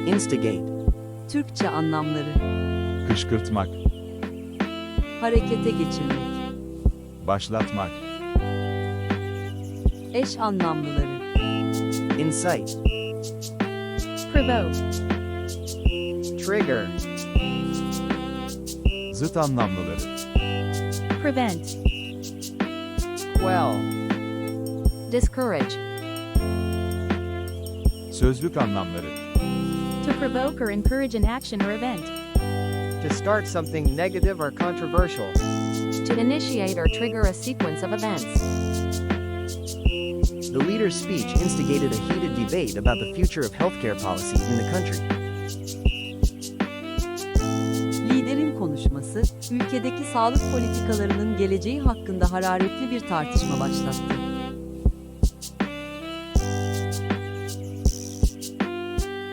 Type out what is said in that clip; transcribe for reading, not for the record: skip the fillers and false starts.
Instigate. Türkçe anlamları: Kışkırtmak, harekete geçirmek. başlatmak, Eş anlamlıları: Incite. provoke, Trigger. zıt anlamlıları, prevent, Quell. discourage, sözlük anlamları, to provoke or encourage an action or event, To start something negative or controversial. to initiate or trigger a sequence of events. The leader's speech instigated a heated debate about the future of healthcare policy in the country. Liderin konuşması, ülkedeki sağlık politikalarının geleceği hakkında hararetli bir tartışma başlattı.